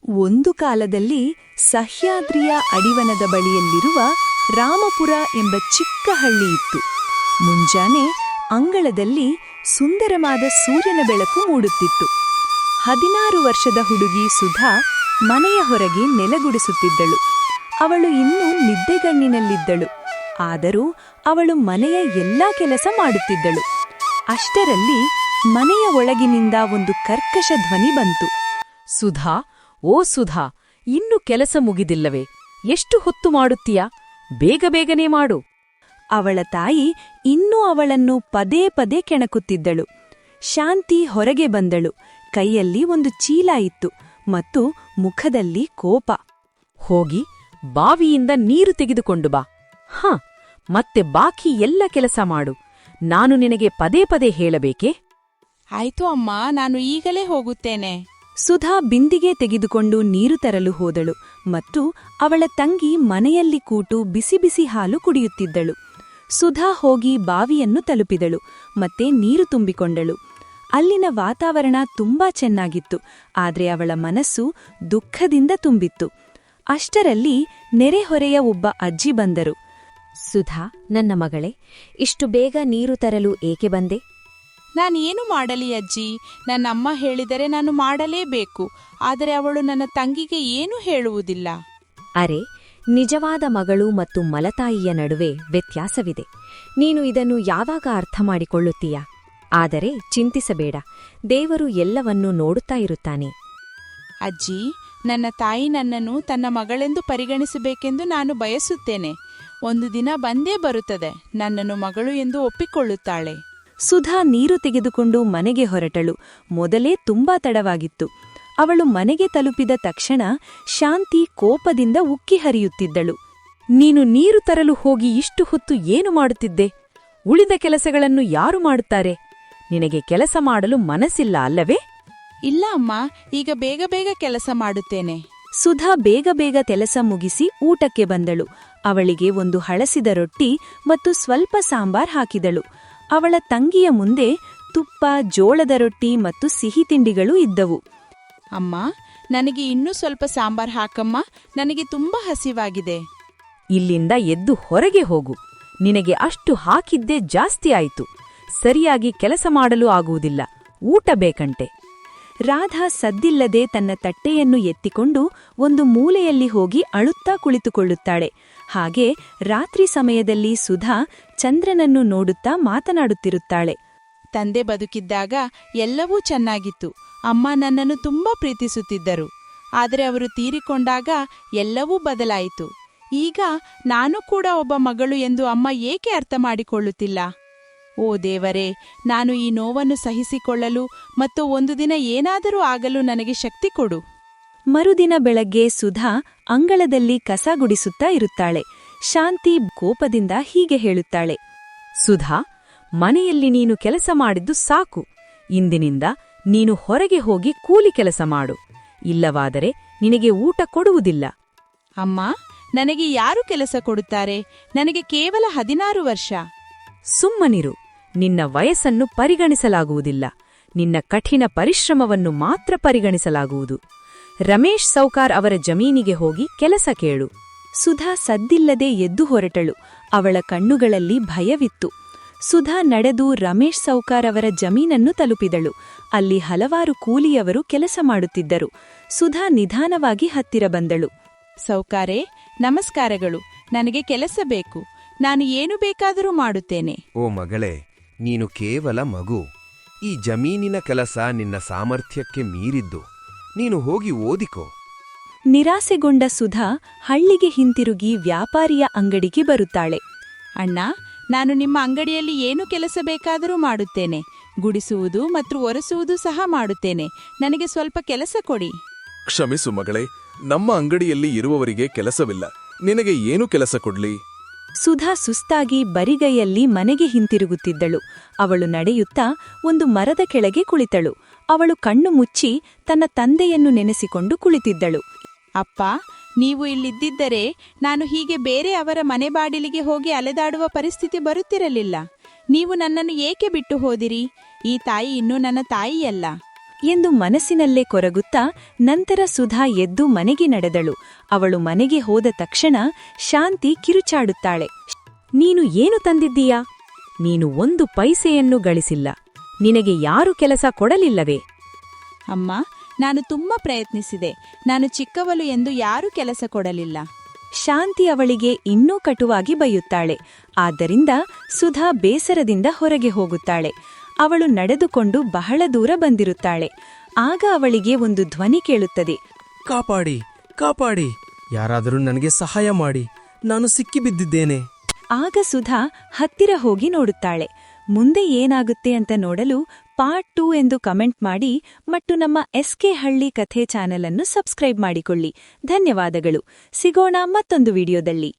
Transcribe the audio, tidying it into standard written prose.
ಒಂದು ಕಾಲದಲ್ಲಿ ಸಹ್ಯಾದ್ರಿಯ ಅಡಿವನದ ಬಳಿಯಲ್ಲಿರುವ ರಾಮಪುರ ಎಂಬ ಚಿಕ್ಕ ಹಳ್ಳಿ ಇತ್ತು. ಮುಂಜಾನೆ ಅಂಗಳದಲ್ಲಿ ಸುಂದರವಾದ ಸೂರ್ಯನ ಬೆಳಕು ಮೂಡುತ್ತಿತ್ತು. 16 ವರ್ಷದ ಹುಡುಗಿ ಸುಧಾ ಮನೆಯ ಹೊರಗೆ ನೆಲಗುಡಿಸುತ್ತಿದ್ದಳು. ಅವಳು ಇನ್ನೂ ನಿದ್ದೆಗಣ್ಣಿನಲ್ಲಿದ್ದಳು. ಆದರೂ ಅವಳು ಮನೆಯ ಎಲ್ಲಾ ಕೆಲಸ ಮಾಡುತ್ತಿದ್ದಳು. ಅಷ್ಟರಲ್ಲಿ ಮನೆಯ ಒಳಗಿನಿಂದ ಒಂದು ಕರ್ಕಶ ಧ್ವನಿ ಬಂತು. ಸುಧಾ, ಓ ಸುಧಾ, ಇನ್ನು ಕೆಲಸ ಮುಗಿದಿಲ್ಲವೇ? ಎಷ್ಟು ಹೊತ್ತು ಮಾಡುತ್ತೀಯಾ? ಬೇಗ ಬೇಗನೆ ಮಾಡು. ಅವಳ ತಾಯಿ ಇನ್ನೂ ಅವಳನ್ನು ಪದೇ ಪದೇ ಕೆಣಕುತ್ತಿದ್ದಳು. ಶಾಂತಿ ಹೊರಗೆ ಬಂದಳು. ಕೈಯಲ್ಲಿ ಒಂದು ಚೀಲ ಇತ್ತು ಮತ್ತು ಮುಖದಲ್ಲಿ ಕೋಪ. ಹೋಗಿ ಬಾವಿಯಿಂದ ನೀರು ತೆಗೆದುಕೊಂಡು ಬಾ. ಮತ್ತೆ ಬಾಕಿ ಎಲ್ಲ ಕೆಲಸ ಮಾಡು. ನಾನು ನಿನಗೆ ಪದೇ ಪದೇ ಹೇಳಬೇಕೇ? ಆಯ್ತು ಅಮ್ಮ, ನಾನು ಈಗಲೇ ಹೋಗುತ್ತೇನೆ. ಸುಧಾ ಬಿಂದಿಗೆ ತೆಗೆದುಕೊಂಡು ನೀರು ತರಲು ಹೋದಳು ಮತ್ತು ಅವಳ ತಂಗಿ ಮನೆಯಲ್ಲಿ ಕೂತು ಬಿಸಿ ಬಿಸಿ ಹಾಲು ಕುಡಿಯುತ್ತಿದ್ದಳು. ಸುಧಾ ಹೋಗಿ ಬಾವಿಯನ್ನು ತಲುಪಿದಳು ಮತ್ತೆ ನೀರು ತುಂಬಿಕೊಂಡಳು. ಅಲ್ಲಿನ ವಾತಾವರಣ ತುಂಬಾ ಚೆನ್ನಾಗಿತ್ತು, ಆದ್ರೆ ಅವಳ ಮನಸ್ಸು ದುಃಖದಿಂದ ತುಂಬಿತ್ತು. ಅಷ್ಟರಲ್ಲಿ ನೆರೆಹೊರೆಯ ಒಬ್ಬ ಅಜ್ಜಿ ಬಂದರು. ಸುಧಾ, ನನ್ನ ಮಗಳೇ, ಇಷ್ಟು ಬೇಗ ನೀರು ತರಲು ಏಕೆ ಬಂದೆ? ನಾನೇನು ಮಾಡಲಿ ಅಜ್ಜಿ? ನನ್ನಮ್ಮ ಹೇಳಿದರೆ ನಾನು ಮಾಡಲೇಬೇಕು. ಆದರೆ ಅವಳು ನನ್ನ ತಂಗಿಗೆ ಏನೂ ಹೇಳುವುದಿಲ್ಲ. ಅರೆ, ನಿಜವಾದ ಮಗಳು ಮತ್ತು ಮಲತಾಯಿಯ ನಡುವೆ ವ್ಯತ್ಯಾಸವಿದೆ. ನೀನು ಇದನ್ನು ಯಾವಾಗ ಅರ್ಥ ಮಾಡಿಕೊಳ್ಳುತ್ತೀಯಾ? ಆದರೆ ಚಿಂತಿಸಬೇಡ, ದೇವರು ಎಲ್ಲವನ್ನೂ ನೋಡುತ್ತಾ ಇರುತ್ತಾನೆ. ಅಜ್ಜಿ, ನನ್ನ ತಾಯಿ ನನ್ನನ್ನು ತನ್ನ ಮಗಳೆಂದು ಪರಿಗಣಿಸಬೇಕೆಂದು ನಾನು ಬಯಸುತ್ತೇನೆ. ಒಂದು ದಿನ ಬಂದೇ ಬರುತ್ತದೆ, ನನ್ನನ್ನು ಮಗಳು ಎಂದು ಒಪ್ಪಿಕೊಳ್ಳುತ್ತಾಳೆ. ಸುಧಾ ನೀರು ತೆಗೆದುಕೊಂಡು ಮನೆಗೆ ಹೊರಟಳು. ಮೊದಲೇ ತುಂಬಾ ತಡವಾಗಿತ್ತು. ಅವಳು ಮನೆಗೆ ತಲುಪಿದ ತಕ್ಷಣ ಶಾಂತಿ ಕೋಪದಿಂದ ಉಕ್ಕಿ ಹರಿಯುತ್ತಿದ್ದಳು. ನೀನು ನೀರು ತರಲು ಹೋಗಿ ಇಷ್ಟು ಹೊತ್ತು ಏನು ಮಾಡುತ್ತಿದ್ದೆ? ಉಳಿದ ಕೆಲಸಗಳನ್ನು ಯಾರು ಮಾಡುತ್ತಾರೆ? ನಿನಗೆ ಕೆಲಸ ಮಾಡಲು ಮನಸ್ಸಿಲ್ಲ ಅಲ್ಲವೇ? ಇಲ್ಲ ಅಮ್ಮ, ಈಗ ಬೇಗ ಬೇಗ ಕೆಲಸ ಮಾಡುತ್ತೇನೆ. ಸುಧಾ ಬೇಗ ಬೇಗ ಕೆಲಸ ಮುಗಿಸಿ ಊಟಕ್ಕೆ ಬಂದಳು. ಅವಳಿಗೆ ಒಂದು ಹಳಸಿದ ರೊಟ್ಟಿ ಮತ್ತು ಸ್ವಲ್ಪ ಸಾಂಬಾರ್ ಹಾಕಿದಳು. ಅವಳ ತಂಗಿಯ ಮುಂದೆ ತುಪ್ಪ, ಜೋಳದ ರೊಟ್ಟಿ ಮತ್ತು ಸಿಹಿ ತಿಂಡಿಗಳು ಇದ್ದವು. ಅಮ್ಮ, ನನಗೆ ಇನ್ನೂ ಸ್ವಲ್ಪ ಸಾಂಬಾರ್ ಹಾಕಮ್ಮ, ನನಗೆ ತುಂಬಾ ಹಸಿವಾಗಿದೆ. ಇಲ್ಲಿಂದ ಎದ್ದು ಹೊರಗೆ ಹೋಗು. ನಿನಗೆ ಅಷ್ಟು ಹಾಕಿದ್ದೇ ಜಾಸ್ತಿ ಆಯಿತು. ಸರಿಯಾಗಿ ಕೆಲಸ ಮಾಡಲು ಆಗುವುದಿಲ್ಲ. ಊಟ ಬೇಕಂತೆ. ರಾಧಾ ಸದ್ದಿಲ್ಲದೆ ತನ್ನ ತಟ್ಟೆಯನ್ನು ಎತ್ತಿಕೊಂಡು ಒಂದು ಮೂಲೆಯಲ್ಲಿ ಹೋಗಿ ಅಳುತ್ತಾ ಕುಳಿತುಕೊಳ್ಳುತ್ತಾಳೆ. ಹಾಗೆ ರಾತ್ರಿ ಸಮಯದಲ್ಲಿ ಸುಧಾ ಚಂದ್ರನನ್ನು ನೋಡುತ್ತಾ ಮಾತನಾಡುತ್ತಿರುತ್ತಾಳೆ. ತಂದೆ ಬದುಕಿದ್ದಾಗ ಎಲ್ಲವೂ ಚೆನ್ನಾಗಿತ್ತು. ಅಮ್ಮ ನನ್ನನ್ನು ತುಂಬಾ ಪ್ರೀತಿಸುತ್ತಿದ್ದರು. ಆದರೆ ಅವರು ತೀರಿಕೊಂಡಾಗ ಎಲ್ಲವೂ ಬದಲಾಯಿತು. ಈಗ ನಾನು ಕೂಡ ಒಬ್ಬ ಮಗಳು ಎಂದು ಅಮ್ಮ ಏಕೆ ಅರ್ಥ ಮಾಡಿಕೊಳ್ಳುತ್ತಿಲ್ಲ? ಓ ದೇವರೇ, ನಾನು ಈ ನೋವನ್ನು ಸಹಿಸಿಕೊಳ್ಳಲು ಮತ್ತು ಒಂದು ದಿನ ಏನಾದರೂ ಆಗಲು ನನಗೆ ಶಕ್ತಿ ಕೊಡು. ಮರುದಿನ ಬೆಳಗ್ಗೆ ಸುಧಾ ಅಂಗಳದಲ್ಲಿ ಕಸ ಗುಡಿಸುತ್ತಾ ಇರುತ್ತಾಳೆ. ಶಾಂತಿ ಕೋಪದಿಂದ ಹೀಗೆ ಹೇಳುತ್ತಾಳೆ. ಸುಧಾ, ಮನೆಯಲ್ಲಿ ನೀನು ಕೆಲಸ ಮಾಡಿದ್ದು ಸಾಕು. ಇಂದಿನಿಂದ ನೀನು ಹೊರಗೆ ಹೋಗಿ ಕೂಲಿ ಕೆಲಸ ಮಾಡು. ಇಲ್ಲವಾದರೆ ನಿನಗೆ ಊಟ ಕೊಡುವುದಿಲ್ಲ. ಅಮ್ಮ, ನನಗೆ ಯಾರು ಕೆಲಸ ಕೊಡುತ್ತಾರೆ? ನನಗೆ ಕೇವಲ 16 ವರ್ಷ. ಸುಮ್ಮನಿರು. ನಿನ್ನ ವಯಸ್ಸನ್ನು ಪರಿಗಣಿಸಲಾಗುವುದಿಲ್ಲ. ನಿನ್ನ ಕಠಿಣ ಪರಿಶ್ರಮವನ್ನು ಮಾತ್ರ ಪರಿಗಣಿಸಲಾಗುವುದು. ರಮೇಶ್ ಸೌಕಾರ್ ಅವರ ಜಮೀನಿಗೆ ಹೋಗಿ ಕೆಲಸ ಕೇಳು. ಸುಧಾ ಸದ್ದಿಲ್ಲದೆ ಎದ್ದು ಹೊರಟಳು. ಅವಳ ಕಣ್ಣುಗಳಲ್ಲಿ ಭಯವಿತ್ತು. ಸುಧಾ ನಡೆದು ರಮೇಶ್ ಸೌಕಾರ್ ಅವರ ಜಮೀನನ್ನು ತಲುಪಿದಳು. ಅಲ್ಲಿ ಹಲವಾರು ಕೂಲಿಯವರು ಕೆಲಸ ಮಾಡುತ್ತಿದ್ದರು. ಸುಧಾ ನಿಧಾನವಾಗಿ ಹತ್ತಿರ ಬಂದಳು. ಸೌಕಾರೇ, ನಮಸ್ಕಾರಗಳು. ನನಗೆ ಕೆಲಸ ಬೇಕು. ನಾನು ಏನು ಬೇಕಾದರೂ ಮಾಡುತ್ತೇನೆ. ಓ ಮಗಳೇ, ನೀನು ಕೇವಲ ಮಗು. ಈ ಜಮೀನಿನ ಕೆಲಸ ನಿನ್ನ ಸಾಮರ್ಥ್ಯಕ್ಕೆ ಮೀರಿದ್ದು. ನೀನು ಹೋಗಿ ಓದಿಕೋ. ನಿರಾಸೆಗೊಂಡ ಸುಧಾ ಹಳ್ಳಿಗೆ ಹಿಂತಿರುಗಿ ವ್ಯಾಪಾರಿಯ ಅಂಗಡಿಗೆ ಬರುತ್ತಾಳೆ. ಅಣ್ಣ, ನಾನು ನಿಮ್ಮ ಅಂಗಡಿಯಲ್ಲಿ ಏನು ಕೆಲಸ ಬೇಕಾದರೂ ಮಾಡುತ್ತೇನೆ. ಗುಡಿಸುವುದು ಮತ್ತು ಒರೆಸುವುದು ಸಹ ಮಾಡುತ್ತೇನೆ. ನನಗೆ ಸ್ವಲ್ಪ ಕೆಲಸ ಕೊಡಿ. ಕ್ಷಮಿಸು ಮಗಳೇ, ನಮ್ಮ ಅಂಗಡಿಯಲ್ಲಿ ಇರುವವರಿಗೆ ಕೆಲಸವಿಲ್ಲ. ನಿನಗೆ ಏನು ಕೆಲಸ ಕೊಡ್ಲಿ? ಸುಧಾ ಸುಸ್ತಾಗಿ ಬರಿಗೈಯಲ್ಲಿ ಮನೆಗೆ ಹಿಂತಿರುಗುತ್ತಿದ್ದಳು. ಅವಳು ನಡೆಯುತ್ತಾ ಒಂದು ಮರದ ಕೆಳಗೆ ಕುಳಿತಳು. ಅವಳು ಕಣ್ಣು ಮುಚ್ಚಿ ತನ್ನ ತಂದೆಯನ್ನು ನೆನೆಸಿಕೊಂಡು ಕುಳಿತಿದ್ದಳು. ಅಪ್ಪ, ನೀವು ಇಲ್ಲಿದ್ದಿದ್ದರೆ ನಾನು ಹೀಗೆ ಬೇರೆ ಅವರ ಮನೆ ಬಾಡಿಲಿಗೆ ಹೋಗಿ ಅಲೆದಾಡುವ ಪರಿಸ್ಥಿತಿ ಬರುತ್ತಿರಲಿಲ್ಲ. ನೀವು ನನ್ನನ್ನು ಏಕೆ ಬಿಟ್ಟು ಹೋದಿರಿ? ಈ ತಾಯಿ ಇನ್ನೂ ನನ್ನ ತಾಯಿಯಲ್ಲ. ಎಂದು ಮನಸ್ಸಿನಲ್ಲೇ ಕೊರಗುತ್ತಾ ನಂತರ ಸುಧಾ ಎದ್ದು ಮನೆಗೆ ನಡೆದಳು. ಅವಳು ಮನೆಗೆ ಹೋದ ತಕ್ಷಣ ಶಾಂತಿ ಕಿರುಚಾಡುತ್ತಾಳೆ. ನೀನು ಏನು ತಂದಿದ್ದೀಯಾ? ನೀನು 1 ಪೈಸೆಯನ್ನು ಗಳಿಸಿಲ್ಲ. ನಿನಗೆ ಯಾರು ಕೆಲಸ ಕೊಡಲಿಲ್ಲವೇ? ಅಮ್ಮ, ನಾನು ತುಂಬಾ ಪ್ರಯತ್ನಿಸಿದೆ. ನಾನು ಚಿಕ್ಕವಳು ಎಂದು ಯಾರೂ ಕೆಲಸ ಕೊಡಲಿಲ್ಲ. ಶಾಂತಿ ಅವಳಿಗೆ ಇನ್ನೂ ಕಟುವಾಗಿ ಬೈಯುತ್ತಾಳೆ. ಆದ್ದರಿಂದ ಸುಧಾ ಬೇಸರದಿಂದ ಹೊರಗೆ ಹೋಗುತ್ತಾಳೆ. ಅವಳು ನಡೆದುಕೊಂಡು ಬಹಳ ದೂರ ಬಂದಿರುತ್ತಾಳೆ. ಆಗ ಅವಳಿಗೆ ಒಂದು ಧ್ವನಿ ಕೇಳುತ್ತದೆ. ಕಾಪಾಡಿ, ಕಾಪಾಡಿ, ಯಾರಾದರೂ ನನಗೆ ಸಹಾಯ ಮಾಡಿ, ನಾನು ಸಿಕ್ಕಿಬಿದ್ದಿದ್ದೇನೆ. ಆಗ ಸುಧಾ ಹತ್ತಿರ ಹೋಗಿ ನೋಡುತ್ತಾಳೆ. ಮುಂದೆ ಏನಾಗುತ್ತೆ ಅಂತ ನೋಡಲು ಪಾರ್ಟ್ 2 ಎಂದು ಕಮೆಂಟ್ ಮಾಡಿ ಮತ್ತು ನಮ್ಮ SK ಹಳ್ಳಿ ಕಥೆ ಚಾನೆಲ್ ಅನ್ನು ಸಬ್ಸ್ಕ್ರೈಬ್ ಮಾಡಿಕೊಳ್ಳಿ. ಧನ್ಯವಾದಗಳು. ಸಿಗೋಣ ಮತ್ತೊಂದು ವಿಡಿಯೋದಲ್ಲಿ.